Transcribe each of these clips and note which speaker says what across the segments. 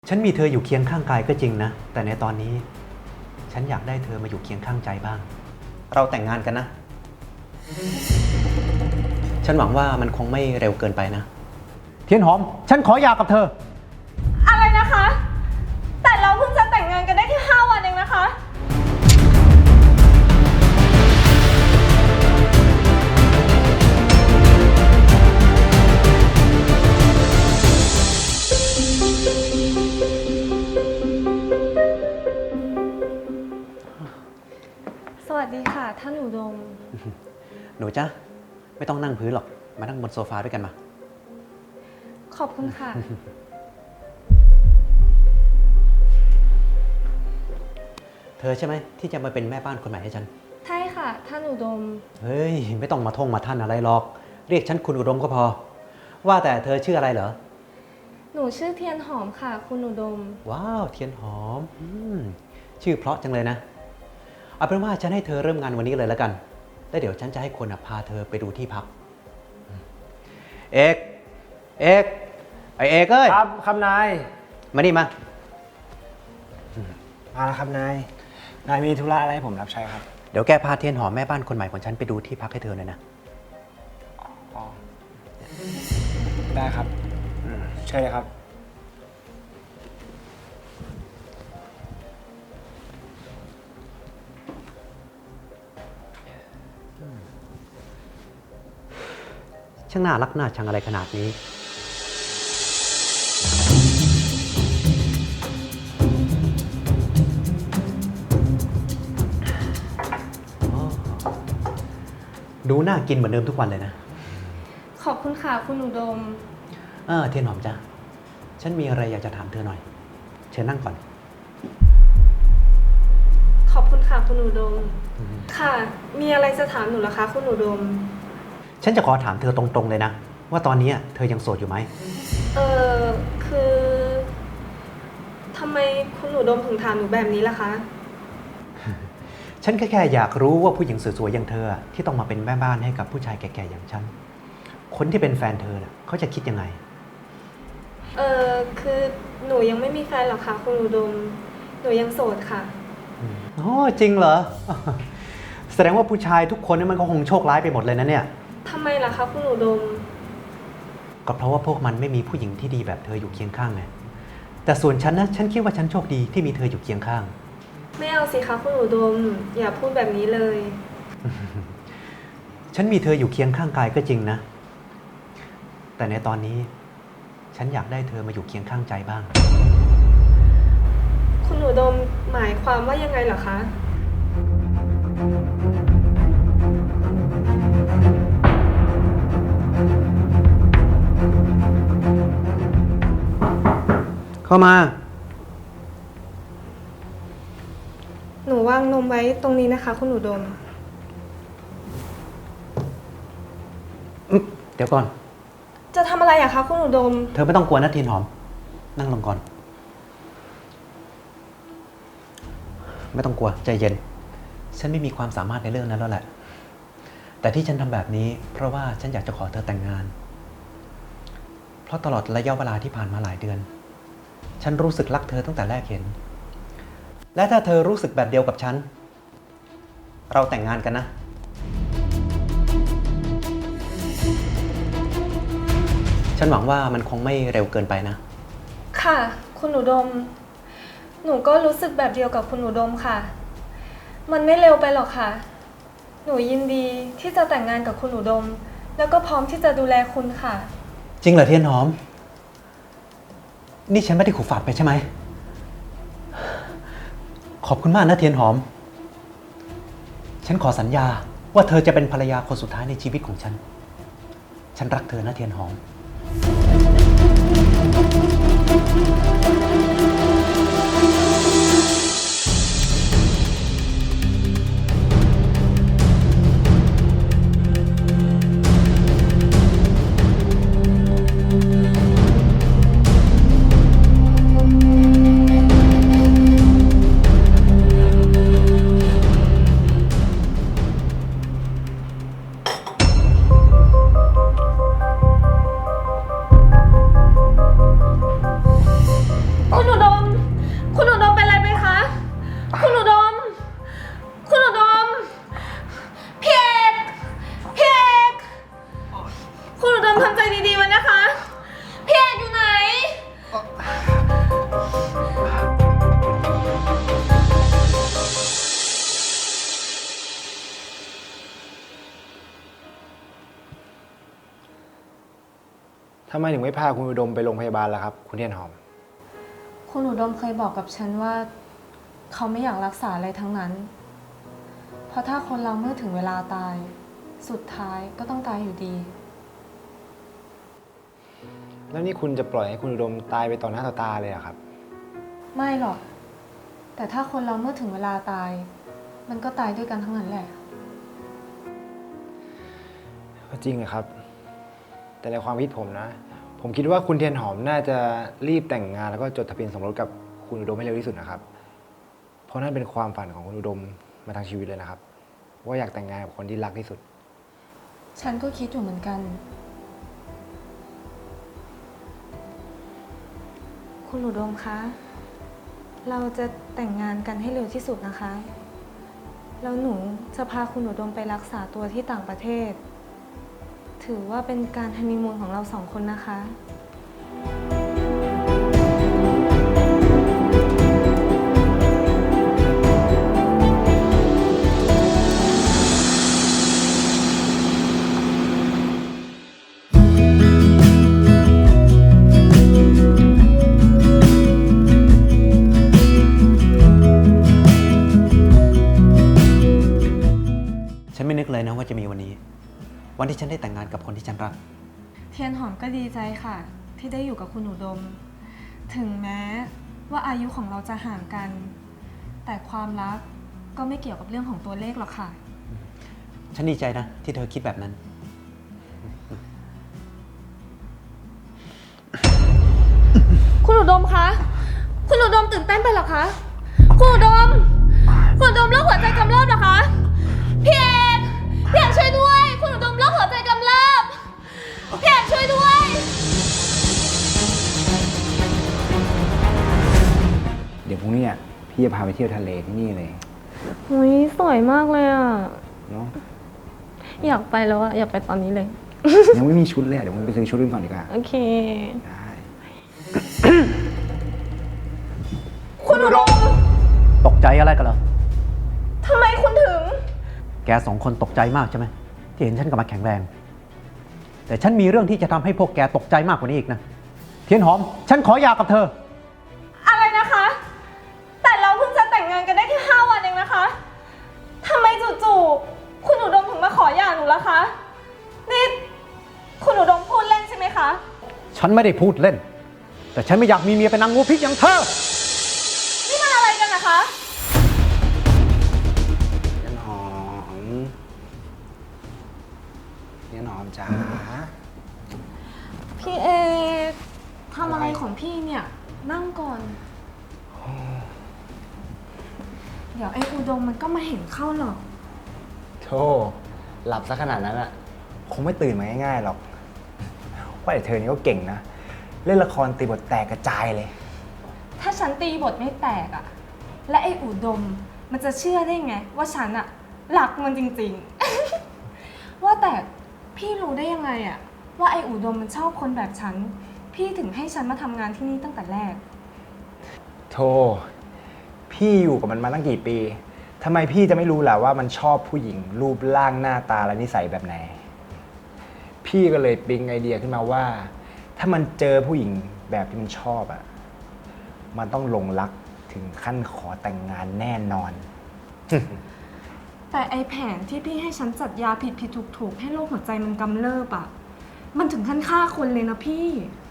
Speaker 1: ฉันมีเธออยู่เคียงข้างกายก็จริงนะแต่ในตอนนี้ฉันอยากได้เธอมาอยู่เคียงข้างใจบ้างเราแต่งงานกันนะฉันหวังว่ามันคงไม่เร็วเกินไปนะเทียนหอมฉันขอหย่ากับเธอ
Speaker 2: อะไรนะคะ แต่เราเพิ่งจะแต่งงานกันได้แค่5 วันเองนะคะสวัสดีค่ะท่านอุดม
Speaker 1: หนูจ๊ะไม่ต้องนั่งพื้นหรอกมานั่งบนโซฟาด้วยกันมา
Speaker 2: ขอบคุณค่ะ
Speaker 1: เธอใช่ไหมที่จะมาเป็นแม่บ้านคนใหม่ให้ฉัน
Speaker 2: ใช่ค่ะท่านอุดม
Speaker 1: เฮ้ยไม่ต้องมาท่องมาท่านอะไรหรอกเรียกฉันคุณอุดมก็พอว่าแต่เธอชื่ออะไรเหรอ
Speaker 2: หนูชื่อเทียนหอมค่ะคุณอุดม
Speaker 1: ว้าวเทียนหอมชื่อเพราะจังเลยนะเอาเป็นว่าฉันให้เธอเริ่มงานวันนี้เลยแล้วกันแล้วเดี๋ยวฉันจะให้คนพาเธอไปดูที่พักเอกไอเอกเอ้ย
Speaker 3: ครับนาย
Speaker 1: มานี่มา
Speaker 3: แล้วครับนายมีธุระอะไรให้ผมรับใช้ครับ
Speaker 1: เดี๋ยวแกพาเทียนหอมแม่บ้านคนใหม่ของฉันไปดูที่พักให้เธอหน่อยนะ
Speaker 3: อ๋อได้ครับเชิญเลยครับ
Speaker 1: ช่างน่ารักน่าชังอะไรขนาดนี้ดูน่ากินเหมือนเดิมทุกวันเลยนะ
Speaker 2: ขอบคุณค่ะคุณอุดม
Speaker 1: เทียนหอมจ้ะฉันมีอะไรอยากจะถามเธอหน่อยเชิญนั่งก่อน
Speaker 2: ขอบคุณค่ะคุณอุดมค่ะมีอะไรจะถามหนูเหรอคะคุณอุดม
Speaker 1: ฉันจะขอถามเธอตรงๆเลยนะว่าตอนนี้เธอยังโสดอยู่ไหม
Speaker 2: คือทำไมคุณอุดมถึงถามหนูแบบนี้ล่ะคะ
Speaker 1: ฉันแค่อยากรู้ว่าผู้หญิงสวยๆอย่างเธอที่ต้องมาเป็นแม่บ้านให้กับผู้ชายแก่ๆอย่างฉันคนที่เป็นแฟนเธอเขาจะคิดยังไง
Speaker 2: คือหนูยังไม่มีแฟนหรอกค่ะคุณอุดมหนูยังโสดค่ะ
Speaker 1: โอ้จริงเหรอแสดงว่าผู้ชายทุกคนนี่มันก็คงโชคร้ายไปหมดเลยนะเนี่ย
Speaker 2: ทำไมล่ะคะคุณอุดม
Speaker 1: ก็เพราะว่าพวกมันไม่มีผู้หญิงที่ดีแบบเธออยู่เคียงข้างไงแต่ส่วนฉันนะฉันคิดว่าฉันโชคดีที่มีเธออยู่เคียงข้าง
Speaker 2: ไม่เอาสิคะคุณอุดมอย่าพูดแบบนี้เลย
Speaker 1: ฉันมีเธออยู่เคียงข้างกายก็จริงนะแต่ในตอนนี้ฉันอยากได้เธอมาอยู่เคียงข้างใจบ้าง
Speaker 2: คุณอุดมหมายความว่ายังไงเหรอคะ
Speaker 1: เข้ามา
Speaker 2: หนูวางนมไว้ตรงนี้นะคะคุณอุดม
Speaker 1: เดี๋ยวก่อน
Speaker 2: จะทำอะไรอะคะคุณอุดม
Speaker 1: เธอไม่ต้องกลัวนะเทียนหอมนั่งลงก่อนไม่ต้องกลัวใจเย็นฉันไม่มีความสามารถในเรื่องนั้นแล้วแหละแต่ที่ฉันทำแบบนี้เพราะว่าฉันอยากจะขอเธอแต่งงานเพราะตลอดระยะเวลาที่ผ่านมาหลายเดือนฉันรู้สึกรักเธอตั้งแต่แรกเห็นและถ้าเธอรู้สึกแบบเดียวกับฉันเราแต่งงานกันนะฉันหวังว่ามันคงไม่เร็วเกินไปนะ
Speaker 2: ค่ะคุณอุดมหนูก็รู้สึกแบบเดียวกับคุณอุดมค่ะมันไม่เร็วไปหรอกค่ะหนูยินดีที่จะแต่งงานกับคุณอุดมแล้วก็พร้อมที่จะดูแลคุณค่ะ
Speaker 1: จริงเหรอเทียนหอมนี่ฉันไม่ได้ขู่ฝาดไปใช่ไหมขอบคุณมากนะเทียนหอมฉันขอสัญญาว่าเธอจะเป็นภรรยาคนสุดท้ายในชีวิตของฉันรักเธอนะเทียนหอม
Speaker 3: ทำไมถึงไม่พาคุณอุดมไปโรงพยาบาลล่ะครับ คุณเทียนหอม
Speaker 2: คุณอุดมเคยบอกกับฉันว่าเขาไม่อยากรักษาอะไรทั้งนั้น เพราะถ้าคนเราเมื่อถึงเวลาตาย สุดท้ายก็ต้องตายอยู่ดี
Speaker 3: แล้วนี่คุณจะปล่อยให้คุณอุดมตายไปต่อหน้าต่อตาเลยเหรอครับ
Speaker 2: ไม่หรอก แต่ถ้าคนเราเมื่อถึงเวลาตาย มันก็ตายด้วยกันทั้งนั้นแหละ
Speaker 3: ก็จริงอะครับ แต่ในความคิดผมนะ ผมคิดว่าคุณเทียนหอมน่าจะรีบแต่งงานแล้วก็จดทะเบียนสมรสกับคุณอุดมให้เร็วที่สุดนะครับ เพราะนั่นเป็นความฝันของคุณอุดมมาทั้งชีวิตเลยนะครับ ว่าอยากแต่งงานกับคนที่รักที่สุด
Speaker 2: ฉันก็คิดอยู่เหมือนกัน คุณอุดมคะ เราจะแต่งงานกันให้เร็วที่สุดนะคะ แล้วหนูจะพาคุณอุดมไปรักษาตัวที่ต่างประเทศ ถือว่าเป็นการฮันนีมูนของเราสองคนนะคะ
Speaker 1: ฉันไม่นึกเลยนะว่าจะมีวันนี้ วันที่ฉันได้แต่งงานกับคนที่ฉันรัก
Speaker 2: เทียนหอมก็ดีใจค่ะ ที่ได้อยู่กับคุณอุดม ถึงแม้ว่าอายุของเราจะห่างกัน แต่ความรักก็ไม่เกี่ยวกับเรื่องของตัวเลขหรอกค่ะ
Speaker 1: ฉันดีใจนะที่เธอคิดแบบนั้น
Speaker 2: คุณอุดมคะ คุณอุดมตื่นเต้นไปเหรอคะ คุณอุดม คุณอุดมโรคหัวใจกำเริบเหรอคะ พี่เอกช่วยด้วย คุณอุดมโรคหัวใจกำเริบพี่เอกช่วยด้วย
Speaker 3: เดี๋ยวพรุ่งนี้พี่จะพาไปเที่ยวทะเลที่นี่เลย
Speaker 2: อุ้ยสวยมากเลยอ่ะ
Speaker 3: เนาะ
Speaker 2: อยากไปแล้วอ่ะ อยากไปตอนนี้เลย
Speaker 3: ยังไม่มีชุดเลยเดี๋ยวผมไปซื้อชุดกันก่อนดีกว่า
Speaker 2: โอเค
Speaker 3: ได้
Speaker 2: คุณอุดม
Speaker 1: ตกใจอะไรกันเหรอ
Speaker 2: ทำไมคุณถึง
Speaker 1: แกสองคนตกใจมากใช่ไหมที่เห็นฉันกลับมาแข็งแรง แต่ฉันมีเรื่องที่จะทำให้พวกแกตกใจมากกว่านี้อีกนะ เทียนหอม ฉันขอหย่ากับเธอ
Speaker 2: อะไรนะคะ แต่เราเพิ่งจะแต่งงานกันได้แค่5 วันเองนะคะ ทำไมจู่ๆ คุณอุดมถึงมาขอหย่าหนูล่ะคะ นี่คุณอุดมพูดเล่นใช่ไหมคะ
Speaker 1: ฉันไม่ได้พูดเล่น แต่ฉันไม่อยากมีเมียเป็นนางงูพิษอย่างเธอ
Speaker 2: นี่มันอะไรกันนะคะ
Speaker 3: เทียนหอมเทียนหอมจ้า
Speaker 2: พี่เอกทำอะไรของพี่เนี่ย นั่งก่อน เดี๋ยวไอ้อุดมมันก็มาเห็นเข้าหรอก
Speaker 3: โธ่หลับซะขนาดนั้นอะคงไม่ตื่นมาง่ายๆหรอก ว่าแต่เธอนี่ก็เก่งนะ เล่นละครตีบทแตกกระจายเลย
Speaker 2: ถ้าฉันตีบทไม่แตกอะและไอ้อุดมมันจะเชื่อได้ไง ว่าฉันอะรักมันจริงๆ ว่าแต่พี่รู้ได้ยังไงอะว่าไอ้อุดมมันชอบคนแบบฉัน พี่ถึงให้ฉันมาทำงานที่นี่ตั้งแต่แรก
Speaker 3: โธ่พี่อยู่กับมันมาตั้งกี่ปี ทำไมพี่จะไม่รู้ล่ะว่ามันชอบผู้หญิง รูปร่างหน้าตาและนิสัยแบบไหน พี่ก็เลยปิ๊งไอเดียขึ้นมาว่า ถ้ามันเจอผู้หญิงแบบที่มันชอบอะมันต้องหลงรักถึงขั้นขอแต่งงานแน่นอน
Speaker 2: แต่ไอ้แผนที่พี่ให้ฉันจัดยาผิดผิดถูกถูกให้โรคหัวใจมันกำเริบอะมันถึงขั้นฆ่าคนเลยนะพี่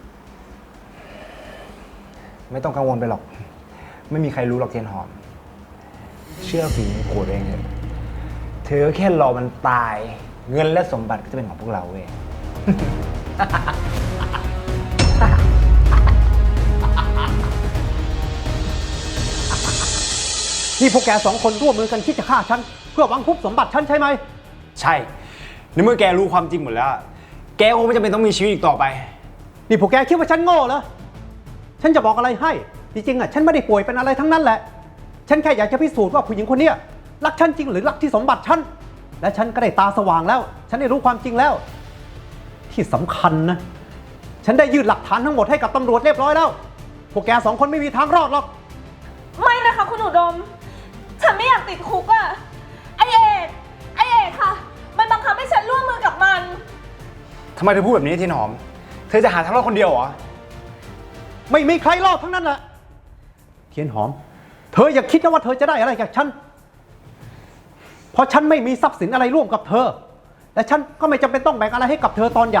Speaker 3: ไม่ต้องกังวลไปหรอก ไม่มีใครรู้หรอกเทียนหอม เชื่อฝีมือโกรธเองเถอะเธอแค่รอมันตาย เงินและสมบัติก็จะเป็นของพวกเราเว้ย
Speaker 1: นี่พวกแกสองคนร่วมมือกันคิดจะฆ่าฉัน เพื่อหวังคุบสมบัติฉันใช่ไหม
Speaker 3: ใช่ ในเมื่อแกรู้ความจริงหมดแล้ว แกคงไม่จำเป็นต้องมีชีวิตอีกต่อไป
Speaker 1: นี่พวกแกคิดว่าฉันโง่เหรอ ฉันจะบอกอะไรให้ จริงๆฉันไม่ได้ป่วยเป็นอะไรทั้งนั้นแหละ ฉันแค่อยากจะพิสูจน์ว่าผู้หญิงคนเนี้ยรักฉันจริงหรือรักที่สมบัติฉัน และฉันก็ได้ตาสว่างแล้ว ฉันได้รู้ความจริงแล้ว ที่สำคัญนะ ฉันได้ยื่นหลักฐานทั้งหมดให้กับตำรวจเรียบร้อยแล้ว พวกแกสองคนไม่มีทางรอดหรอก
Speaker 2: ไม่นะคะคุณอุดม ฉันไม่อยากติดคุกอะไอเอกค่ะ มันบังคับให้ฉันร่วมมือกับมัน
Speaker 3: ทำไมเธอพูดแบบนี้เทียนหอมเธอจะหาทางรอดคนเดียวเหรอ
Speaker 1: ไม่มีใครรอดทั้งนั้นแหละ เทียนหอม เธออย่าคิดนะว่าเธอจะได้อะไรจากฉัน เพราะฉันไม่มีทรัพย์สินอะไรร่วมกับเธอ และฉันก็ไม่จำเป็นต้องแบ่งอะไรให้กับเธอตอนหย่า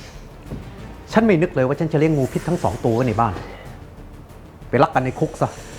Speaker 1: ฉันไม่นึกเลยว่าฉันจะเลี้ยงงูพิษทั้ง2 ตัวไว้ในบ้าน ไปรักกันในคุกซะ